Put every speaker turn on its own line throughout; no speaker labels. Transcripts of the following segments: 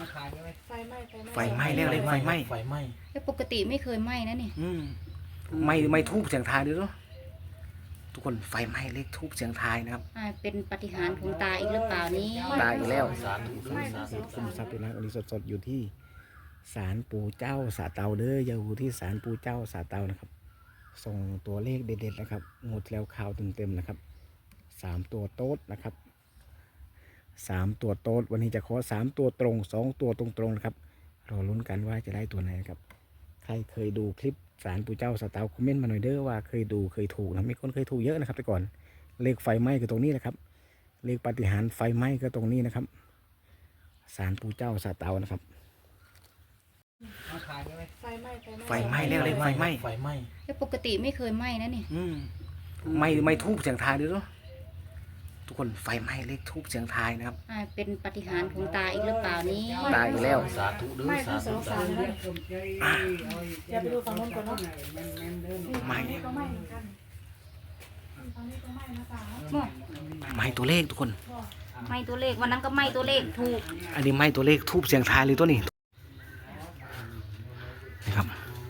ไฟไหม้แล้วเลยไฟไหม้
แต่ปกติไม่เคยไหม้นะนี่
ไม่ทูบเสียงทายด้วยเนาะทุกคนไฟไหม้เลขทูบเสียงทายนะครับ
เป็นปาฏิหาริย์ของตาอีกหรือเปล่านี้
ตายอีกแล้ว
คุมทรัพย์ด้วยนะวันนี้สดๆอยู่ที่ศาลปู่เจ้าสาเตาเด้ออยู่ที่ศาลปู่เจ้าสาเตานะครับส่งตัวเลขเด็ดๆนะครับงดแล้วข่าวเต็มๆนะครับ3 ตัวโต๊ดนะครับ3 ตัวโต๊ดวันนี้จะขอ3 ตัวตรง2 ตัวตรงๆนะครับรอลุ้นกันว่าจะได้ตัวไหนครับใครเคยดูคลิปศาลปู่เจ้าสาเตาคอมเมนต์มาหน่อยเด้อว่าเคยดูเคยถูกนะมีคนเคยถูกเยอะนะครับแต่ก่อนเลขไฟไหม้ก็ตรงนี้นะครับเลขปาฏิหาริย์ไฟไหม้ก็ตรงนี้นะครับศาลปู่เจ้าสาเตานะครับ
ไฟไหม้แล้วเลยไฟไหม้
แต่ปกติไม่เคยไหม้นะนี่
ไม่ทูบเสียงทายด้วยเนาะทุกคนไฟไหม้เลขทูบเสียงทายนะครับ
เป็นปาฏิหาริย์ของตาอีกหรือเปล่านี้
ตายอีกแล้ว
สาธุด้วยสาธุ
อย่าไปดูฝั่งนู้นก่อนเนาะ
ไหม้ไหม้ตัวเลขทุกคน
ไหม้ตัวเลขวันนั้นก็ไหม้ตัวเลขถูก
อันนี้ไหม้ตัวเลขทูบเสียงทายเลยตัวนี้นะครับ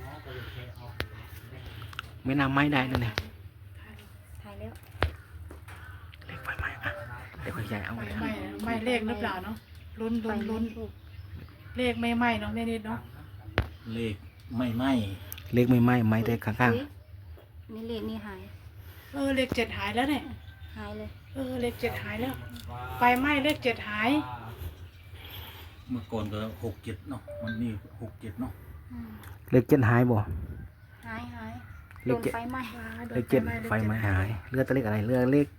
ไม่น่าไหม้ได้นะเนี่ย
ถ่ายแล้ว
เลขไฟไหม้อะเดี๋ยวคุณยายเอาเลย
ไม่เลขหรือเปล่าเนาะลุ้นเลขไม่ไหม้เนาะไม่นิดเนาะ
เลขไม่ไหม้
เลขไม่ไหม้ไหม้แต่ข้าง
นี่เลขนี่หาย
เลข7หายแล้วเนี่ย
หายเลย
เลข7หายแล้วไฟไหม้เลข7หาย
เมื่อก่อนก็6 7เนาะมันนี่6 7เนาะ
เลข7หายบ่
หาย
เลข7
ไฟไหม้
เลข7ไฟไหม้หายเลือดตัวเลขอะไรเลือดเลข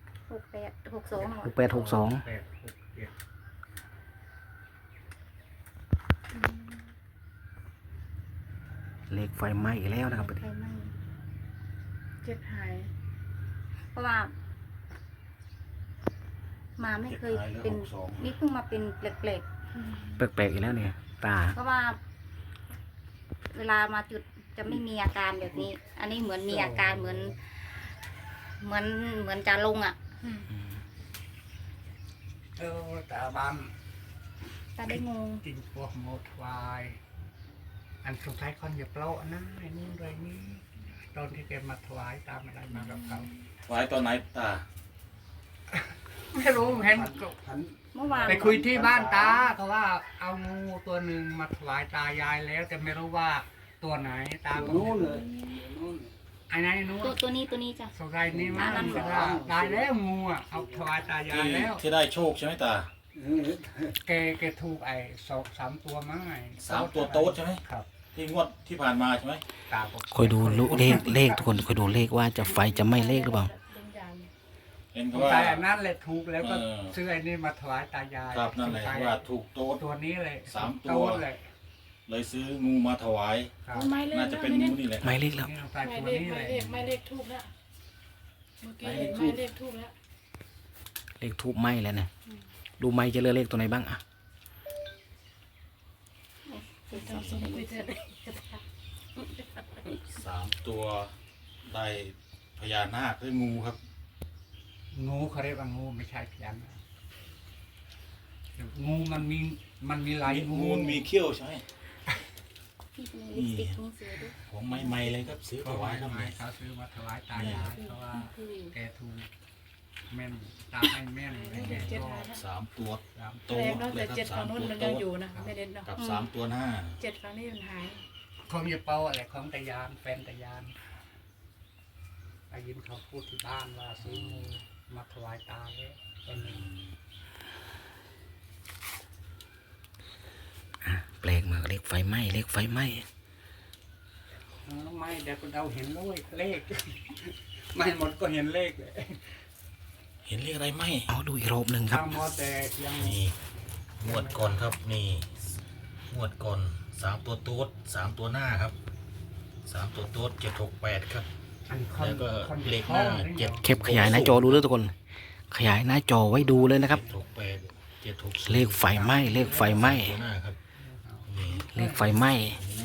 6862
เลขไฟไหม้อีกแล้วนะครับ
ไฟไหม้
7หาย
เพราะว่ามาไม่เคยเป็นนี่เพิ่งมาเป็นแปลก
ๆอีกแล้วเนี่ยตา
เพราะว่าเวลามาจุดจะไม่มีอาการแบบนี้อันนี้เหมือนมีอาการเหมือนจะลงอ่ะ
ตาบ้าน
ตาได้งง
จริงพวกโมทวายอันสุดท้ายคนอย่าเปล่านะไอ้นู่นไรนี้ตอนที่แกมาถวายตามอะไรมากับเขา
ถวายตอนไหนตา
ไม่รู้เห็น
เมื่อวาน
ไปคุยที่บ้านตาเขาว่าเอางูตัวหนึ่งมาถวายตายายแล้วแต่ไม่รู้ว่าตัวไหนตาก็นู้นเลยไอ้ไหนนู้น
ตัวนี้จ้ะ
สกายนี้มาตายแล้วงูอ่ะเอาถวายตายายแล้ว
ที่ได้โชคใช่ไหมตา
แกถูกไอ้3 ตัวมั้งไอ้
3 ตัวโต๊ดใช่ไหม
ครับ
ที่งวดที่ผ่านมาใช่ไหม
ตา
คอยดูเลขทุกคนคอยดูเลขว่าจะไฟจะไหม้เลขหรือเปล่า
เห็นว่า
แต่นั่นแหละถูกแล้วก็ซื้อไอ้นี่มาถวายตายาย
ครับนั่นแหละว่าถูกโต๊ด
ตัวนี้เลย
3 ตัวเลยซื้องูมาถวายน่าจะเป็นงูนี่แหละ
ไม่เลขแล้ว
ไม่เลขทูบแล้วเมื่อกี้เห็นไม่เลขทูบแล้ว
เลขทูบไหม้แล้วเนี่ยดูไหม้จะเลือกเลขตัวไหนบ้างอะ
3 ตัวได้พญานาคด้วยงูครับ
งูเขาเรียกว่างูไม่ใช่พญานาคงูมันมีหลาย
งูมีเขี้ยวใช่ไหมของใหม่ๆเลยครับซื้อถวายครับ
เขาซื้อมาถวายตายายเพราะว่าแกถูกแม่นตาให้แม่น
3 ตัว
โตแต่7ฝั่งนู้นมันยังอยู่นะไม่เด่นเนาะ
กับ3 ตัวหน้า
7ฝั่งนี้มันหาย
ของอย่าเป่าอะไรของตายานแฟนตายานได้ยินเขาพูดที่บ้านว่าซื้องูมาถวายตาเลยเป็นหนึ่ง
แปลกมากเลขไฟไหม้เลขไฟไหม้
ไม่เดี๋ยวเราเห็นเลขไม่หมดก็เห็นเลขเลย
เห็นเลขอะไรไหม
เอาดูอีกรอบหนึ่งครับ
นี่งวดก่อนครับนี่งวดก่อน3 ตัวโต๊ด3 ตัวหน้าครับ3 ตัวโต๊ด768ครับแล้วก็เลขหน้า
7เข็บขยายหน้าจอดูด้วยทุกคนขยายหน้าจอไว้ดูเลยนะครับเลขไฟไหม้เลขไฟไหม้เลขไฟไหม้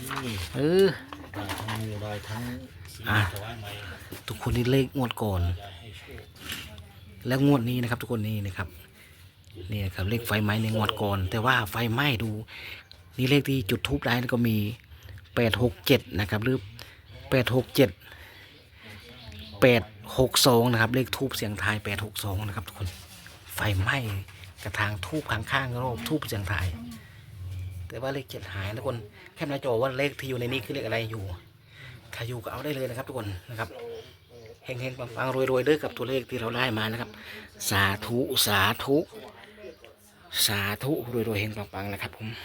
ได้ทั้ง
ทุกคนนี่เลขงวดก่อนแล้วงวดนี้นะครับทุกคนนี่นะครับนี่ครับเลขไฟไหม้ในงวดก่อนแต่ว่าไฟไหม้ดูนี่เลขที่จุดทูบได้แล้วก็มี867นะครับหรือ867 862นะครับเลขทูบเสียงทาย862นะครับทุกคนไฟไหม้กระถางทูบข้างๆรอบทูบเสียงทายแต่ว่าเลข7หายนะทุกคนแคปหน้าจอว่าเลขที่อยู่ในนี้คือเลขอะไรอยู่ถ้าอยู่ก็เอาได้เลยนะครับทุกคนนะครับเฮงๆปังๆรวยๆเด้อกับตัวเลขที่เราได้มานะครับสาธุสาธุสาธุรวยๆเฮงปังๆนะครับผม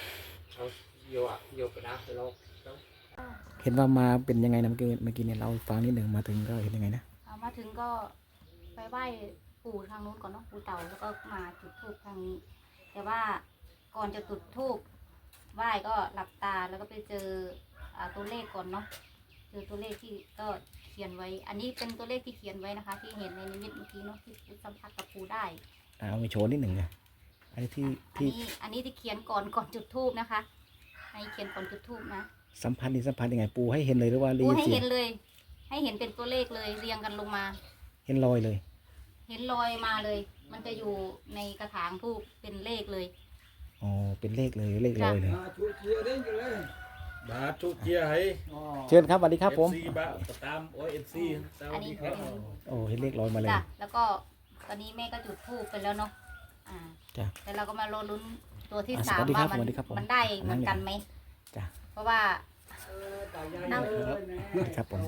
เห็นว่ามาเป็นยังไงนะเมื่อกี้เนี่ยเราฟังนิดหนึ่งมาถึงก็เห็นยังไงนะ
มาถึงก็ไปไหว้ปู่ทางนู้นก่อนเนาะปู่เต่าแล้วก็มาจุดธูปทางนี้ แต่ว่าก่อนจะจุดธูปไหว้ก็หลับตาแล้วก็ไปเจอตัวเลขก่อนเนาะเจอตัวเลขที่ก็เขียนไว้ อันนี้เป็นตัวเลขที่เขียนไว้นะคะ ที่เห็นในนิมิตเมื่อกี้เนาะที่สัมผัสกับปู่ได้
เอาไปโชว์นิดหนึ่งนะอันนี้
อันนี้ที่เขียนก่อนจุดธูปนะคะให้เขียนก่อนจุดธูปนะ
สัมพันธ์นี่สัมพันธ์ยังไงปูให้เห็นเลยหรือว่ารี
ปู่ให้
เสีย
เห็
ง
นเลย ให้เห็นเป็นตัวเลขเลยเรียงกันลงมา
เห็นรอยเลย
เห็นรอยมาเลย มันจะอยู่ในกระถางธูปเป็นเลขเลย
อ๋อเป็นเลขเลยเลขรอยเลย
บาทุกเจียให้
เชิญครับสวัสดีครับผม
FC บาตามโอ้ย FC สวัสดีครับ
โอ้เห็นเลขรอยมาเลย
จ้ะแล้วก็ตอนนี้แม่ก็จุดธูปไปแล้วเนาะ
จ้ะ
แต่เราก็มารอลุ้นตัวที่
อ่ะ
สาม
สวัสดีครั
ว่า
บสวัสดีครับผม
มันได้เหมือนกันไหม
จ้ะ
เพราะว่านั่ง
ครับผม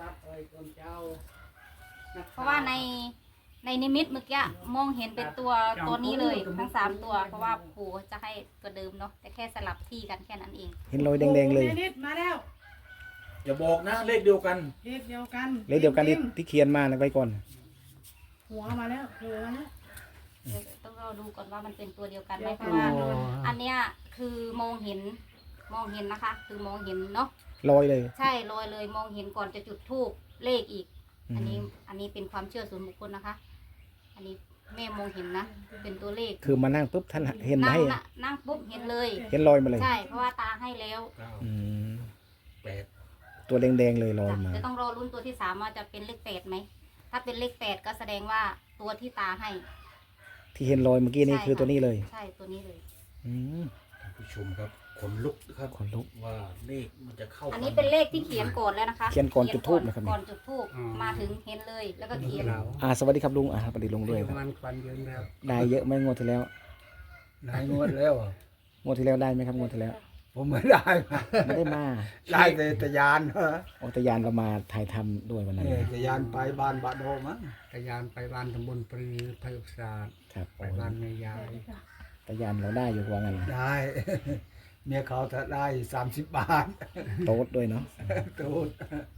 เพราะว่าในนิมิตเมื่อกี้มองเห็นเป็นตัวนี้เลยทั้ง3ตัว เพราะว่าปู่จะให้ตัวเดิมเนาะแต่แค่สลับที่กันแค่นั้นเอง
เห็นรอยแดงๆเลย
นิดมาแล้ว
อย่าบอกนะเลขเดียวกัน
เลขเดียวกัน
เลขเดียวกันที่เขียนมานะไว้ก่อน
หัวมาแล้วหัวมาแล้ว
เดี๋ยวต้องรอดูก่อนว่ามันเป็นตัวเดียวกันไหมเพราะว่าอันเนี้ยคือมองเห็นนะคะ คือมองเห็นเนาะ
รอยเลย
ใช่ลอยเลยมองเห็นก่อนจะจุดธูปเลขอีก
อืม
อันนี้เป็นความเชื่อส่วนบุคคลนะคะ อันนี้แม่มองเห็นนะ เป็นตัวเลข
คือมานั่งปุ๊บท่านเห็น
นั่ง
ให้
น่ะนั่งปุ๊บเห็นเลย
เห็นรอยมาเลย
ใช่เพราะว่าตาให้แล้ว
อืม
8
ตัวแดงๆเลยรอย
จ้ะ
มา
จะต้องรอรุ่นตัวที่3ว่าจะเป็นเลข8ไหมถ้าเป็นเลข8ก็แสดงว่าตัวที่ตาให้
ที่เห็นรอยเมื่อกี้นี่
ใช่
คือตัวนี้เลย
ใช่ตัวนี้เลย
อืม
ท่านผู้ชมครับขนลุกครับ
ขนลุก
ว่าเลขมันจะเข้า
อันนี้เป็นเลขที่เขียนก่อนแล้วนะคะ
เขียนก่อนจุดธูปนะครับ
ก่อนจุดธูปมาถึงเห็นเลยแล้วก็เขียน
สวัสดีครับลุงสวัสดีลุงด้วยครับ
มันควันเยอะแล้ว
ได้เยอะไหมงวดที่แล้ว
นายงวดแล้ว
งวดที่แล้วได้ไหมครับงวดที่แล้ว
ผมไม่ได้มา
ไม่ได้มา
ได้แต่ตะยานเหรอ
อตยานเรามาถ่ายทำด้วยวันนั้น
ตะยานไปบ้านบาดโดมั้งตะยานไปบ้านตำบลปรือไพศาล
ครับ
ไปบ้านแม่ยาย
ตยานเราได้อยู่ว่างั้น
ได้ เมียเขาถ้าได้30 บาท
โต๊ดด้วยเนาะ
ตูด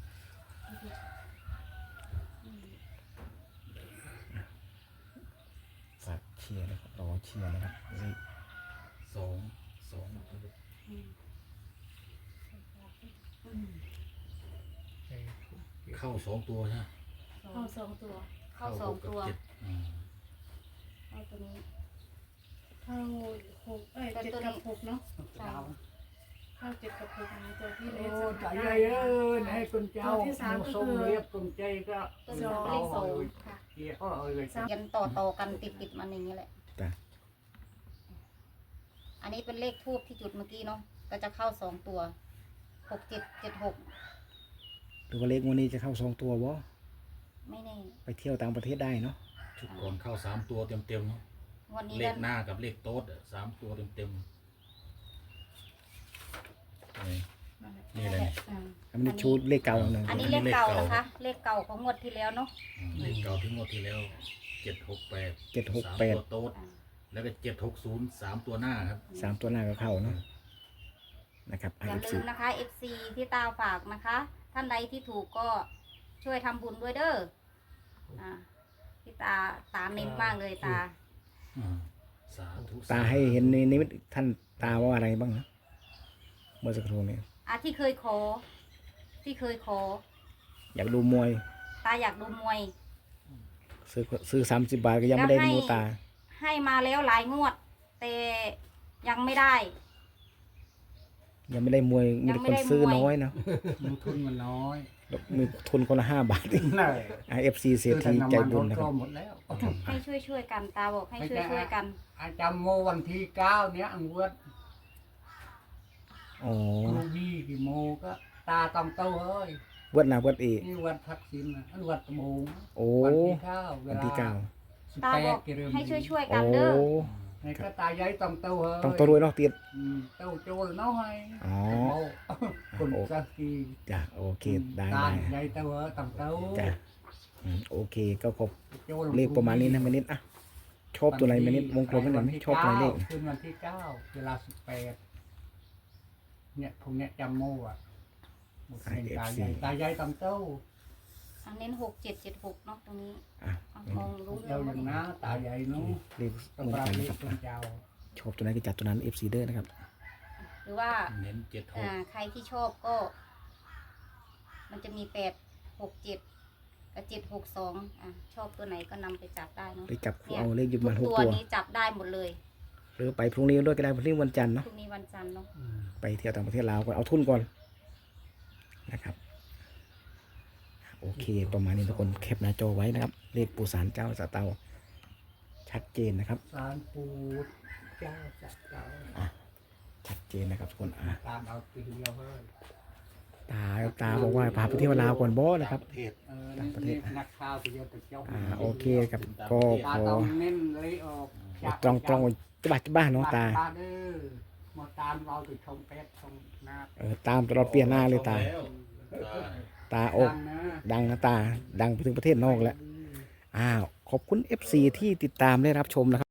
ฝากเชียร์นะครับรอเชียร์นะครับนี่
สองเข้า2ตัวใช่ไหม
เข้า2ตัว
เข้า2ตัว
6กับ7อืม
เข้าตัวนี้
เข้า67กับ6เนาะ
ใช่
เข้า7กับ6นะตัวที่เล
โอ้
ข
ตายายเอ้ยให้คนเจ้าส่งเรียบคนใจก็
ตัวนี้เป็นเลข2ค่ะ
เกี่ยวเลย
ยันต่อกันติดมันอย่างนี้แหละ
จ้ะ
อันนี้เป็นเลขทูบที่จุดเมื่อกี้เนาะ ก็จะเข้า2ตัว6776
หรือว่าเลขงวันนี้จะเข้า2ตัววะ
ไม่แน่
ไปเที่ยวต่างประเทศได้เนาะ
ชุดก่อนเข้า3ตัวเต็มๆเนาะ
วันนี้
เล
ก็
ขหน้ากับเลขโต๊ดอะ3ตัวเต็มๆนี่เลย
อืม
อันนี้ชูเลขเก่าหนึ่ง
อันนี้เลขเก่านะคะ เลขเก่าของงวดที่แล้วเนาะ
เลขเก่าที่งวดที่แล้ว768
768
ตัวโต๊ดแล้วก็760 3ตัวหน้าครับ
3ตัวหน้าก็เข้าเนาะนะครับ
อย่าลืมนะคะ FC ที่ตาฝากนะคะ ท่านใดที่ถูกก็ช่วยทำบุญด้วยเด้อที่ตาเน้นมากเลยตา
สาธุ
ตาให้เห็นในนิมิตท่านตาว่าอะไรบ้างนะเมื่อสักครู่นี้
ที่เคยขอ
อยากดูมวย
ตาอยากดูมวย
ซื้อ30 บาทก็ยังไม่ได้ดูตา
ให้มาแล้วหลายงวด แต่ยังไม่ได้
ยังไม่ได้มวยมีแต่คนซื้อน้อยเนาะ
ทุนมันน้อย
มีทุนคนละ5 บาทเอง
นั่น
FC เศรษฐีใจบุญนะค
ก็
รับ
หมดแล้ว
ให้ช่วยกันตาบอกให้ช่วยกัน
อาจารย์โมวันที่9เนี้ยอังเวด
อ๋อ
ครูบี้กี่โมก็ตาต้องเต้าเฮ้ย
วัดนาวัดเอ
นี่วัดทักษิณนะอันวัดตะโมง
โอ้
วันที่เก้าเว
วัน
ลา
ที่เก้า
สิบ
ตา
แป
บอ
ด
ก
กิโลเมตร
ให้ช่วยๆ
โอ้
กันเด้อ
นี่ก็ตายายต้องเต้าเฮ้ย
ต้องตัวรวยเนาะเตียน
เต้าโจรน้อย
อ๋อ
คนสักกี
จ้ะโอเคได้
ตา
ได้
ยายเต้าเฮ้ยต้องเต้า
จ้ะโอเคก็ครบ
โจร
เลขประมาณนี้นะแม่นิดอ่ะชอบตัวไหนแม่นิดวงกลมให้หน่อยไหมชอบตัวไหนเลข
คืนวันที่เก้าเวลา18เนี่ยพวกเนี้ยจำโม่อะหมดเงินตายายต้องเต้า
อันเน้น6776เนาะตรงนี้
อ่ะ
เอามองรู้
เจ้าอย่างน้าตายายนู้
เลข
ต้อง
เหมือน
ปรับ
กัน
เล
นะ
ข
ครับ
คนเจ้า
ชอบตัวไหนก็จัดตัวนั้น FC เด้อนะครับ
หรือว่า
เน้นเจ็ดหก
ใครที่ชอบก็ มันจะมี867กับ762ชอบตัวไหนก็นำไปจับได้เนาะ
เลขจับคู่เอาเลขอยู่ประมาณ
ทุก
6
ตัว
ตัว
นี้จับได้หมดเลย
หรือไปพรุ่งนี้ด้วยก็ได้พรุ่งนี้วันจันทร์เนาะ
พรุ่งนี้วันจันทร์เนาะ
ไปเที่ยวต่างประเทศลาวก่อนเอาทุนก่อนนะครับโอเคประมาณนี้ทุกคนแคปหน้าจอไว้นะครับ เลขปู่ศาลเจ้าสะเตาชัดเจนนะครับ
สารปูเจ้าจัดเจ้า
ชัดเจนนะครับทุกคน
ตามเอาตีเดียวเฮ้ย
ตาบอกว่าพาไปเที่ยวลาวก่อนบอนะครับ
ประเทศ
ต่างประเทศ
นักข่าวตีเดียวแต่เจ้า
โอเคครับก็พ
ตา
อ
ต้องเน้นเลยออก
ตรงจะบ้านน้องตา
เด้อมาตามเราติดชมเป็ดชมนา
ตามตลอดเปลี่ยนหน้าเลยตา
แล้วตา
ตาอก ดังนะตาดังไปถึงประเทศนอกแล้วขอบคุณ FC ที่ติดตามได้รับชมนะครับ